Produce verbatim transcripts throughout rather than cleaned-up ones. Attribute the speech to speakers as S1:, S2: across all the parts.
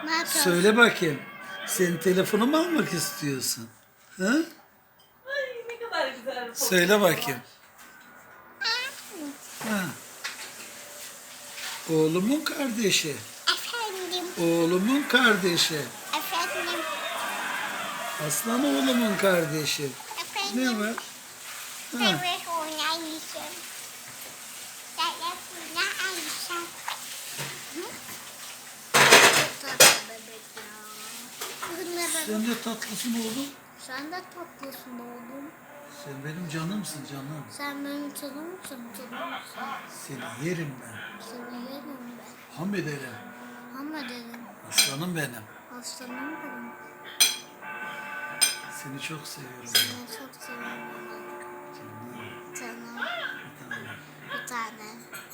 S1: Ne yapıyorsun?
S2: Söyle bakayım. Senin telefonu mu almak istiyorsun? Hı?
S3: Ay ne kadar güzel.
S2: Söyle bakayım. Ha. Oğlumun kardeşi.
S1: Efendim,
S2: Oğlumun kardeşi.
S1: efendim,
S2: Aslan oğlumun kardeşi. Ne
S1: efendim.
S2: var? Ha.
S1: Evet, oynayacağım. Telefonu alacağım. Çok tatlı bebek ya. Bu ne bebek?
S2: Sen de tatlısın oğlum.
S1: Sen de tatlısın oğlum.
S2: Sen benim canımsın canım.
S1: Sen benim canımsın, canımsın.
S2: Seni yerim ben.
S1: Seni yerim ben.
S2: Ham ederim.
S1: Ama dedim,
S2: Aslanım benim.
S1: aslanım benim.
S2: Seni çok seviyorum. ben.
S1: Seni çok seviyorum.
S2: Canım.
S1: Canım,
S2: Bir tanem.
S1: bir tane.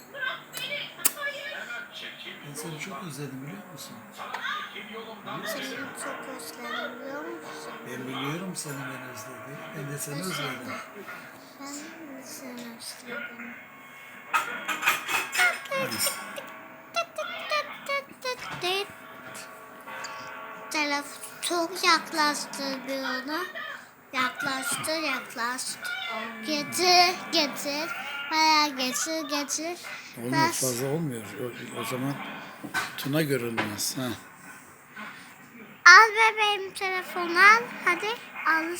S2: Ben seni çok özledim biliyor musun?
S1: Seni çok özledim biliyor musun?
S2: Ben biliyorum seni ben özledim. Ben de seni özledim.
S1: Ben de seni özledim. Telefon çok yaklaştı bir ona. Yaklaştı, yaklaştı. Getir, getir. Bayağı getir, getir.
S2: Olmuyor
S1: Ben-
S2: fazla olmuyor. O, o zaman Tuna görünmez. Ha.
S1: Al bebeğim telefonu al. Hadi al